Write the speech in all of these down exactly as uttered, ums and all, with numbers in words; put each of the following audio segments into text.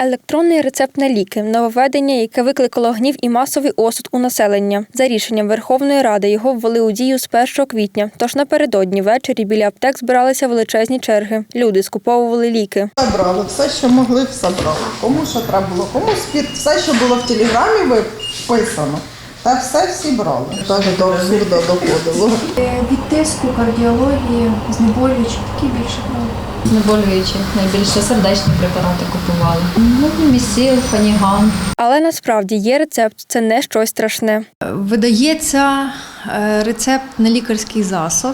Електронний рецепт на ліки – нововведення, яке викликало гнів і масовий осуд у населення. За рішенням Верховної Ради його ввели у дію з першого квітня, тож напередодні ввечері біля аптек збиралися величезні черги. Люди скуповували ліки. Брали все, що могли, все брали. Кому що треба було, кому спірт, все, що було в телеграмі виписано. Та все всі брали. Так до абсурду доходило. Від тиску, кардіології, знеболюючі, такі більше брали. Знеболюючі, найбільше сердечні препарати купували. Ну, місіл, фаніган. Але насправді є рецепт – це не щось страшне. Видається рецепт на лікарський засіб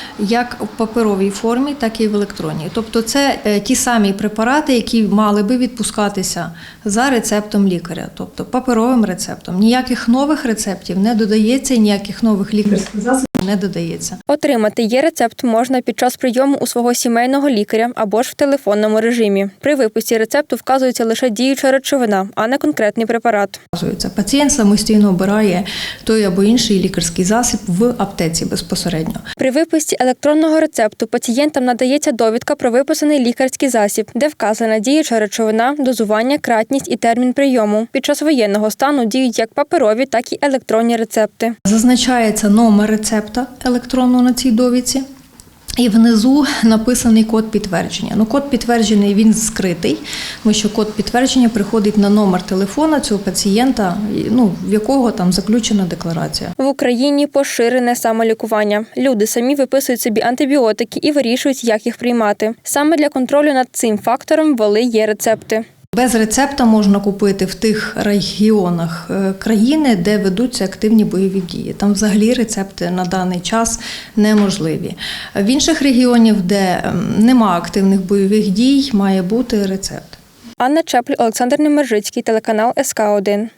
як в паперовій формі, так і в електронній. Тобто це ті самі препарати, які мали би відпускатися за рецептом лікаря, тобто паперовим рецептом. Ніяких нових рецептів не додається, ніяких нових лікарських засобів не додається. Отримати є-рецепт можна під час прийому у свого сімейного лікаря або ж в телефонному режимі. При виписі рецепту вказується лише діюча речовина, а не конкретний препарат. Пацієнт самостійно обирає той або інший лікарський засіб в аптеці безпосередньо. При виписі електронного рецепту пацієнтам надається довідка про виписаний лікарський засіб, де вказана діюча речовина, дозування, кратність і термін прийому. Під час воєнного стану діють як паперові, так і електронні рецепти. Зазначається номер рецепта електронного на цій довідці. І внизу написаний код підтвердження. Ну, код підтверджений, він скритий, тому що код підтвердження приходить на номер телефона цього пацієнта, ну, в якого там заключена декларація. В Україні поширене самолікування. Люди самі виписують собі антибіотики і вирішують, як їх приймати. Саме для контролю над цим фактором ввели є-рецепти. Без рецепта можна купити в тих регіонах країни, де ведуться активні бойові дії. Там взагалі рецепти на даний час неможливі. В інших регіонах, де нема активних бойових дій, має бути рецепт. Анна Чепль, Олександр Немержицький, телеканал ес ка один.